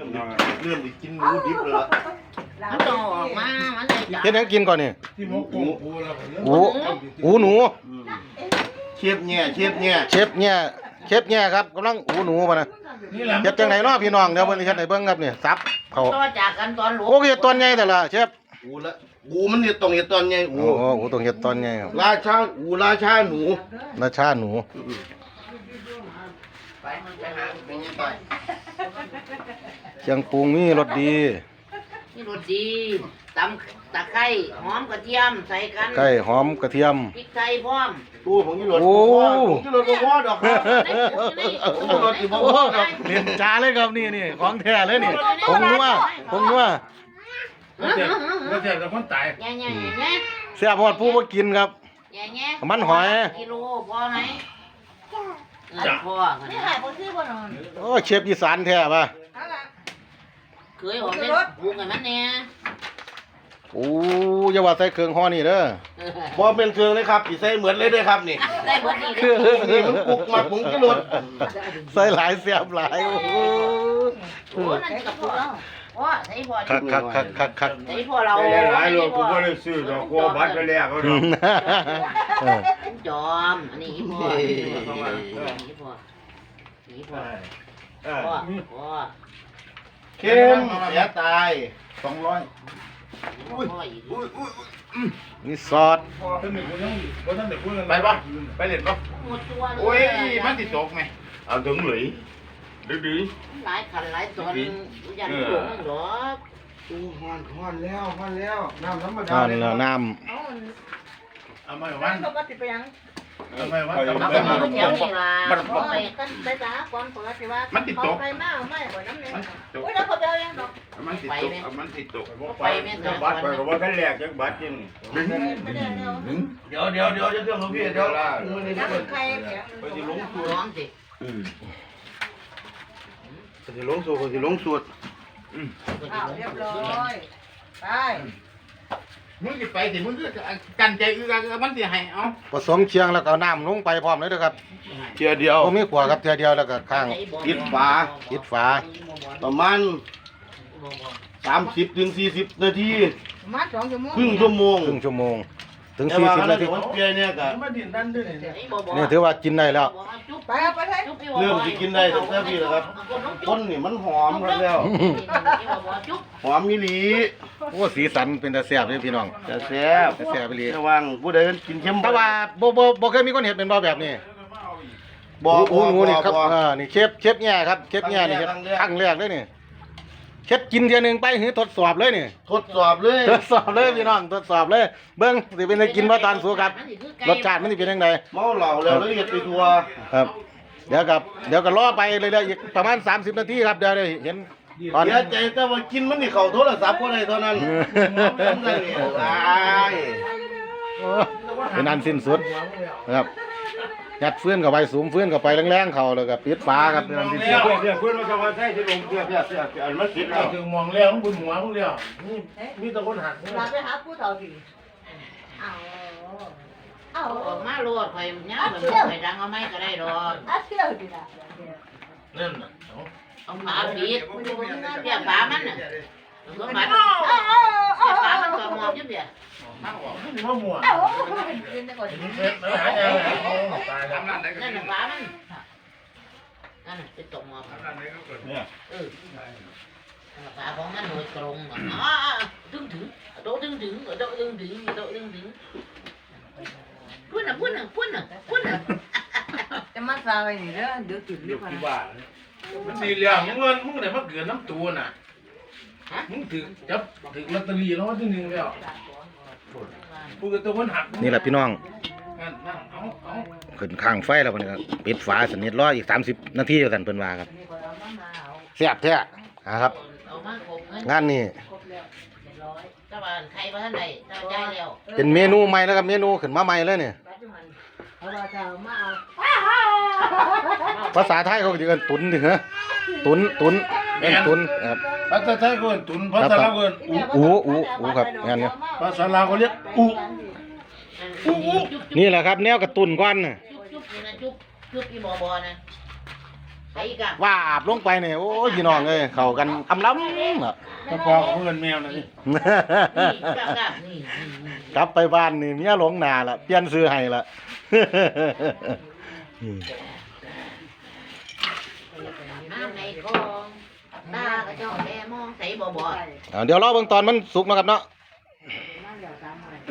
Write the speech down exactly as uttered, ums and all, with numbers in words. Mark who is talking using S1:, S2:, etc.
S1: เริ่มดิกินหมูดิบเลย
S2: มันต้องออกมามันเลยจ้ะ
S3: เฮ็ดหยังกินก่อนนี่
S4: ที่มกปูปูแล้ว
S3: หูหูหนู
S1: เชฟเนี่ยเชฟเนี่ย
S3: เชฟเนี่ยเชฟเนี่ยครับกำลังหูหนูมานะ
S4: นี่แหละ
S3: เฮ็ดจังไดเนาะพี่น้องเดี๋ยวเพิ่นเฮ็ดให้เบิ่งครับนี่ซับเขา
S2: ต่อจากกันตอนหลวง
S3: โอ้เฮ็ดตอนใหญ่แต่ละเชฟ
S1: อูละอูมันเนี่ยต้องเห็ดตอนไงอู
S3: โอ้โหโอ้ต้องเฮ็ดตอนใหญ่ครับ
S1: ราชาอูราชาหนู
S3: ราชาหนู
S2: ไปมันจะหาเป็นยังไง
S3: เครื่องปรุงมีรสดี
S2: นี่รสดีตำตะไคร้หอมกระเทียมใส่กัน
S3: ไก่หอมกระเทียม
S2: พริกไทยพร้อม
S1: ตู้ผมยี่หลด
S3: โอ้
S1: ผมยี่หลดก็พอดอกครับผมยี่หลดอีกพอดอก
S3: เรียนจ้าเลยครับนี่นี่ของแท้เลยนี่ผงนัวผงนัว
S4: แล้วเสร็จแล้วเสร็จแล้วคนตาย
S2: แง่แง่แง่
S3: เสียบฮอดผู้บ่กินครับ
S2: แง่แง่
S3: มันหอย
S2: กิโลพอไหมพอ
S5: นี่หายคนที่บ่นอน
S3: โอ้เชฟอีสานแท้ป่ะ
S5: เอาล่ะ
S2: เคยออกเป็นปรุงกันมันเนี่ย
S3: โอ้อย่าว่าใส่เครื่องห่อนี่เด้อ
S1: พอเป็นเครื่องเลยครับอีใส่เหมือนเลยด้วยครับนี่
S2: ได้หมดนี่
S3: คือ
S1: นี่มันปลุกมาผมยี่หลด
S3: ใส่หลายเสียบหลายโอ้โห
S2: โอ้นั่นกับพวกเราโอ้ใส่พอ
S3: คักคักคักคักคัก
S2: ใส่พอเรา
S4: ได้หลายโลกูก็เลยซื้อดอกกัวบัตรไปแล้วก็ดอก
S3: เออ
S2: จอมอันนี้อีพ่ออีพ่ออีพ่อพ่อพ่อ
S1: เข้มเสียตาย
S4: สองร้อย
S2: พ่ออีก
S3: นี่ซอส
S4: ท่านหนึ่งคนยังคนท่านหนึ่งคน
S6: ไปปะไปเล่นปะ
S2: หมดตัว
S6: โอ้ยมันติดตกไหมเอาถึงหรือดื้อดื้อ
S2: หลายขันหลายตอนยันหลวงหรอ
S1: ตู้ฮอนฮอนแล้วฮอนแล้วน้ำธรรมดา
S3: นั่นแล้วน้
S5: เอามัน
S4: เอาไม่
S5: มั
S4: วัน
S5: นปกติไปยัง
S4: เอาไม่วัน
S2: เอาไปมาเที่ยวนี่ล่ะ
S5: เอาไปกันไปจ้าก่อนปกติว่าเขาไปมากไม่บ่น้ำเนี่ยอุ้ยแล้วเขาเจอยังดอก
S6: มันติดตกมันติดตก
S2: ไปแม่ต
S6: บัตรไปกับว่าท่านแรกยังบัตรยัง
S5: ไม่ได้เนาะ
S1: เดี๋ยวเดี๋ยวเดี๋ยวจะเรื่องของพี่เดี๋ยวมือนี่
S5: น้ำ
S1: เดี๋ยว
S5: ใครเนี่ย
S1: ไปสิลงสูตร
S2: ร้องสิ
S1: ไปสิลงสูตรไปสิลงสูตร
S5: อ้าวเรียบร้อยไป
S6: มึงจะไปสิมึงก็กันใจอือกันมันจะให้เอา
S3: ำผสมเชียงแล้วก็เอาน้ำลงไปพร้อมเลยเด้อครับ
S1: เทียเดียว
S3: บ่มีขวครับเทียเดียวแล้วก็ข้าง
S1: ปิดฝา
S3: ปิดฝา
S1: ประมาณสามสิบถึงสี่สิบนาที
S5: มาสองชั่วโมง
S1: ครึ่งชั่วโมง
S3: ครึ่งชั่วโมง ถึง
S1: แต่
S3: สี่
S1: ว่า
S3: สิบ
S1: แล้
S3: นาว ที
S1: เดี๋ยวมันเปลี่ยนเนี่ยก็
S4: มาดินดันด้วยเนี่ย
S3: นี่ถือว่ากินได้แล้ว
S5: ไปเอาไปให้
S1: เริ่มสิกินได้ตั้งแต่พี่แล้วครับคนนี่มันหอมกันแล้ว หอมมิลี
S3: โอ้สีสันเป็นตาแซ่บเลยพี่น้อง
S1: จะแซ่บ
S3: แต่แซ่บไปเลย
S1: ระวังผู้ใดกินเค็ม
S3: แต่ว่าบ่บ่บ่เคยมีคนเห็นเป็นบ่แบบนี้
S1: บ่
S3: หู
S1: บ่
S3: หนูนี่ครับ
S1: บ่
S3: อ่านี่เชฟเชฟแง่ครับเชฟแง่นี่เฮ็ด
S1: ครั้งแรก
S3: ครั้งแรกเลยนี่เชฟกินเทียหนึงไปหือทดสอบเลยนี่
S1: ทดสอบเลย
S3: ทดสอบเลยพี่น้องทดสอบเลยเบิ่งสิเป็นได้กินบ่ตอนสูครับรสชาติมันสิเป็นจังได
S1: เมาเหล้าแล้วแล้วเฮ็ดไปทัว
S3: ครับ เดี๋ยวกับเดี๋ยวก็รอไปเลยๆอีกประมาณสามสิบนาทีครับเดี๋ยวได้เห็นตอน
S1: เสียใจแต่ว่ากินมันนี่เข้าโทรศัพท์บ่ได้เท่านั้นมันได้นี่ตาย
S3: เป็นอันสิ้นสุดนะครับยัดเฟื่อนเข้าไปสูมเฟื่อนเข้าไปแรงๆเข้าแล้วก็ปิดฝาครับเป็นอันสิ้นสุด
S6: เพื่อนเพื่อนเพื่อนมาจะมาใช้ที่ลงเพื่อนเพื่อนเพื่อนอันมันติดแล้ว
S4: ถึงมองแล้วบุญหัวพวกเดียวนี่มีแต่คนหัก
S5: ลาไปหาผู้เฒ่าสิเอาเอา
S2: ออกมาโลดข่อยย่าแบบข่อยดังเอาไม่ก็ได้ดอก
S5: อาเที่ยวดิล่ะ
S4: นั่นน่ะ
S2: เอาฝาปิดเปียกฝามันน่ะสมบัติ
S5: เอาเอาเอา
S2: เปียกฝามันก็มองอยู่เดียว
S4: มันว่ามัว
S5: เอากินได้ก่อน
S4: เผ็ดแล้วหายแล้วตายแล้ว
S2: นั่นน่ะฝามันนั่นน่ะเป็นตกหมอบ
S1: เนี่ย
S2: เออฝาของมันโดยตรงอ่ะดึงถึงโดดึงถึงโดดึงถึงโดดึงถึงพุ่นน่ะพุ่นน่ะพุ่นน่ะพุ่นน่ะ
S5: จะมาซาไปนี่เด้อเดี๋ยวติดลิฟต์นะ
S4: มันสี่เหลี่ยมมึงเงินมึงไหนมาเกินน้ำตัวน่ะมึงถือจับถือลอตเตอรี่แล้วว่าที่หนึ่งแล้วกูกับตัวคนหัก
S3: นี่แหละพี่น้อง
S4: นั่นนั่นเอาเอา
S3: ขึ้นข้างไฟแล้วมันก็ปิดฝาสนิทรออีกสามสิบนาทีอยู่สั่นเพิ่นว่าครับแซ่บแท้นะครับ
S2: เอามาครบเงิน
S3: งานนี้
S2: ครบแล้วเรียบร้อยเจ้าบ้านใครบ้านใดเจ้าใจแล้ว
S3: เป็นเมนูใหม่แล้วครับเมนูขึ้นมาใหม่เลยเนี่ย
S5: เอาว่าจะเอามาเอา
S3: ภาษาไทยเขาก็จะเอิ้นตุนดิเหรอตุนตุนเอิ้นตุนครับ
S4: ภาษาไทยก็เอิ้นตุนภาษาลาวก็เอิ้นอุ
S3: อูอูอูครับงานเนี้ย
S4: ภาษาลาวก็เรียกอุ
S2: จุ๊บจุ๊บ
S3: นี่แหละครับแนวกระตุนก้อนน่ะ
S2: จุ๊บนี่นะจุ๊บจุ๊บอีบอบอนะ
S3: ค
S2: ไอ้กับ
S3: ว่าอาบลงไปเนี่ยโอ้ยพี่น้องเอ้ยเข้ากันอำล้ำล่ะ
S4: ก็พอกับเพื่อนแมวนะนี่
S2: นี่กับกับนี่
S3: กลับไปบ้านนี่เมียหลงหนาละเปลี่ยนซื้อให้ละ
S2: น้ำในคลองตาก็จ้องแลมองใส่บ่บ่
S3: เอาเดี๋ยวรอเบิ่งตอนมันสุกนะครับเนาะ